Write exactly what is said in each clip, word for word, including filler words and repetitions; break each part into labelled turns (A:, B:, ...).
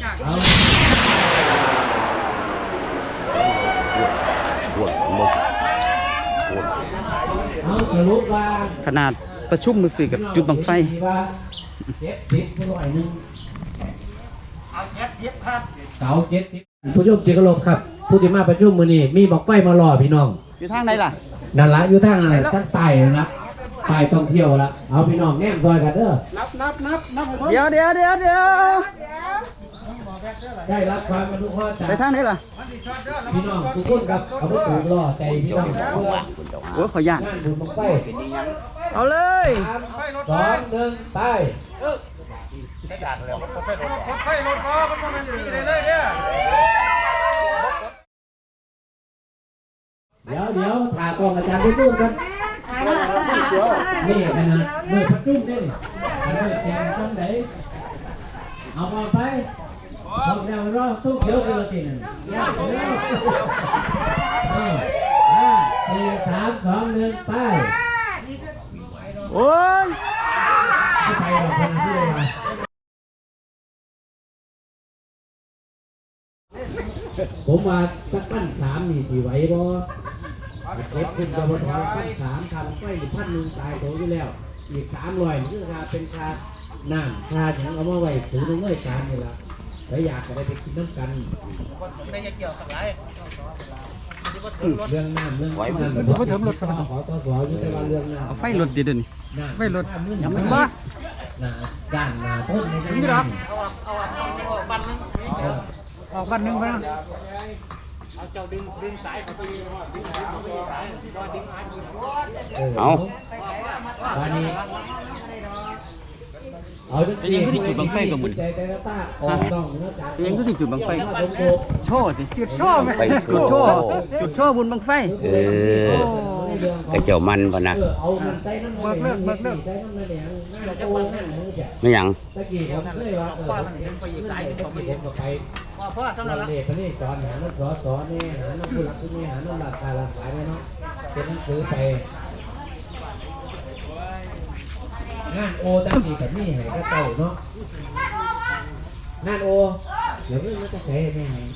A: ขนาดประชุมมือสื่อกับจุดบังไฟ
B: เสาเจ็ดสิบผู้ชมจิกลบครับผู้ที่มาประชุมมือนี้มีบังไฟมารอพี่น้อง
A: อยู่ทางไหนล่ะ
B: นั่นละอยู่ทางอะไรทางใต้ละใต้ท่องเที่ยวละเอาพี่น้องแง่มซอยกันเด้อ
A: นับนับนับนับเดี๋ยวเดี๋ยวเดี๋ยวเดี๋ยว
B: ได้รับความอนุเคราะห์จาก
A: ไปทางไหนล่ะ
B: พี่น้องทุกคนครับเอาไปปลูกรอใจพี่น้อง
A: โอ้ขอยาก
B: งานบุญบังไฟ
A: เอาเลย
B: สองหนึ่งไป
C: ไฟรถฟ้ามันมันมีเลยเลยเนี่ย
B: เดี๋ยวเดี๋ยวถ่ายกองอาจารย์ไปดูกันนี่ขนาดเมื่อพัดจุ้มนี่เมื่อแข่งตั้งไหนเอามาไปบอกเรารอตู้เขียวกันละทีนึงห้าสี่สามสองหนึ่งไป
A: โอ้ย
B: ไปหรอกคนที่เลยมาผมว่าสักปั้นสามนี่ที่ไหวบ่เก็บขึ้นจะมาถอนปั้นสามทำไฟพันหนึ่งตายโตอยู่แล้วอีกสามร้อยนี่คือค่าเป็นค่าน้ำค่าอย่างเอามาไว้ถือในเงื่อนการนี่ละแล้วอยากจะได้ไปกินน้ำกันเรื่องน้ำเรื่องไฟมันผมก็เถิมรถขอต่อสออยู่แต่ว่าเรื่องน้ำ
A: ไฟรถดีเด่นไฟรถ
B: ยังไม่บ้าหน้าด้านหน้าต้นในนี้หรอก
A: ออกบันหนึ่งไปนะ
B: เอาวันนี้เอา
A: เป็นยังที่จุดบังไฟกับมึงยังที่จุดบังไฟโชว์สิจุดโชว์ไหมจุดโชว์จุดโชว์บุญบังไฟ
D: เออกระเจ้ามันพะนะไม่หยัง
B: ตะกี้ผมเคยว่าเออไปอยู่ใต้ผมไปผมก็ไปพ่อสำหรับเด็กคนนี้สอนหาน้องสอนสอนนี่หาน้องผู้หลักผู้นี้หาน้องหลักการหลักสายเนาะเป็นหนังสือไปงานโอตะกี้กับนี่ให้ก็เต่าเนาะงานโอเดี๋ยวมันจะใช้ไม่ให้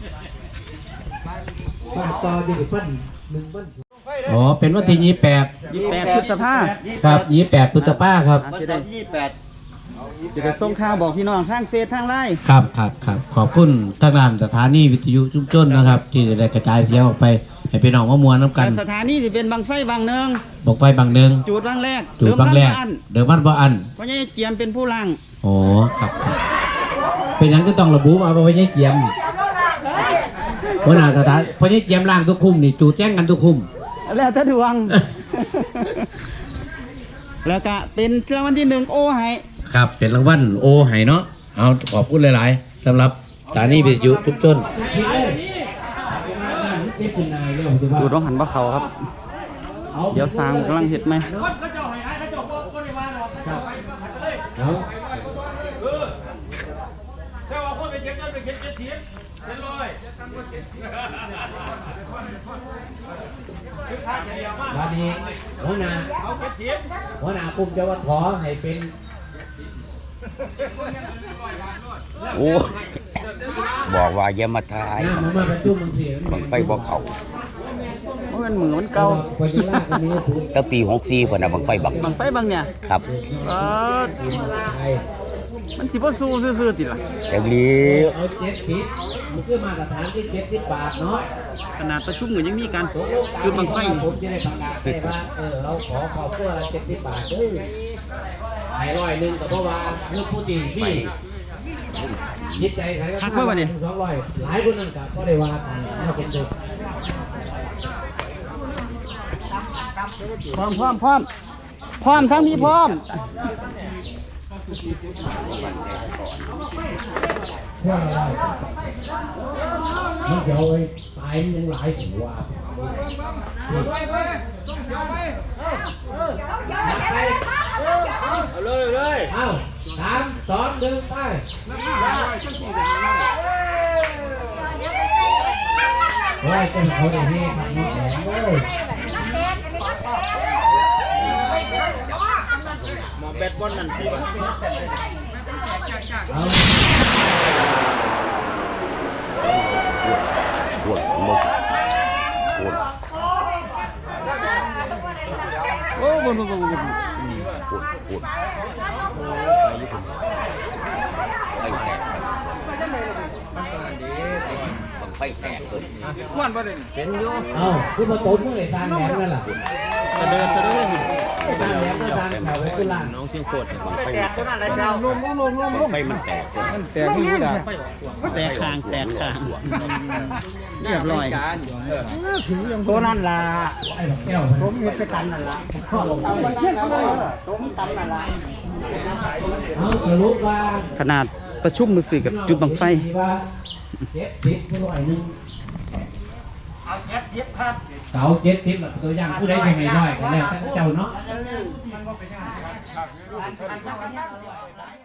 B: ป้าต่อดีปั้นหนึ่งปั้นอ๋อเป็นวันที่ยี่แปด
A: ยี่แปดพฤษภา
B: ครับยี่แปดพฤษภาครับ
A: จะได้ยี่แปดจะได้ส่งข่าวบอกพี่น้องทางเฟซทางไลน์
B: ครับครับครับขอบคุณทางด้านสถานีวิทยุชุมชนนะครับที่จะได้กระจายเสียงออกไปให้พี่น้องมามวลน้ำกัน
A: สถานีจะเป็นบางไฟบางเนือง
B: บอกไปบางเนือง
A: จุดบางแรก
B: จุดบางแรกเดิมบ้านบ่อัน
A: เพราะยี่เจียมเป็นผู้ลัง
B: โอ้ครับครับเป็นอย่างก็ต้องระบุมาเพราะว่ายี่เจียมเพราะน่าสถานเพราะยี่เจียมล่างทุกคุ้มนี่จูดแจ้งกันทุกคุ้ม
A: แล้วถ้าดวงแล้วก็เป็นรางวัลที่หนึ่งโอไฮ
B: ครับเป็นรางวัลโอไฮเนาะเอาขอบคุณหลายๆสำหรับสถานีวิทยุชุมชน
A: จูดร้องหันบ่เขาครับเดี๋ยวสร้างกำลังเห็ดไหม
B: วันนี้หัวหน้าหัวหน้ากลุ่มจะว่าขอให้เป็น
D: โอ้บอกว่าอย่ามาทายบังไฟบ่เขา
A: มันเหมือนมันเก่า
D: ตั้งปีหกสี่พอนะบังไฟบัง
A: บังไฟบางเนี่ย
D: ครับ
A: มันสิบ่สู้ซื่อๆติล่ะ
D: อย่างนี้
B: เอาเจ็ดสิบมันคือมาตรฐานที่เจ็ดสิบบาทเนาะ
A: ขนาดประชุมเหมือนยังมีการคือบังไฟ
B: ผมจะได้ประกาศให้ว่าเออเราขอขอเพื่อเจ็ดสิบบาทเออให้ร้อยหนึ่งแต่เพราะว่าเรื่องผู้ดีพี่ยิดใจใครก็
A: ทักเมื่อวันนี้
B: สองร้อยหลายคนนั่นกับก็ได้ว่าถ้าเป็นเด็ก
A: พร้อมพร้อมพร้อมพร้อมทั้งนี้พร้อม
B: เพื่ออะไรมันเดี๋ยวไอ้ตายมันยังหลายสิว่า
C: เอาเลยเลย
B: เอาสามสองหนึ่งไปว่าจะเขาได้ให้ทำน้ำแข็งเลย
C: มาแบดบอลนั่นสิวะ
B: เอา
D: ไฟแตกเลย
B: เอ้าคือมาต้มเมื่อไหร่ทานแหนมนั่นล่ะ
A: เสด็จเสด็จ
B: ทานแหนมก็ทานแถวกุลา
A: น้องเชียงโคตร
D: ไฟมันแตกไฟมันแตกเลย
A: มันแตกที่ด่าแตกคางแตกคางเรียบร้อยตัวนั่นล่ะ
B: ไอ้แก้วผมมีไปกันนั่นล่ะเอาสรุปว่า
A: ขนาดประชุมมือสื่อกับจุดบังไฟ
B: เจ็ดสิบผู้ร้อยหนึ่งเอาเจ็ดสิบครับเสาเจ็ดสิบแบบตัวอย่างผู้ใดยังไงน้อยกันแล้วแต่เจ้าเนาะ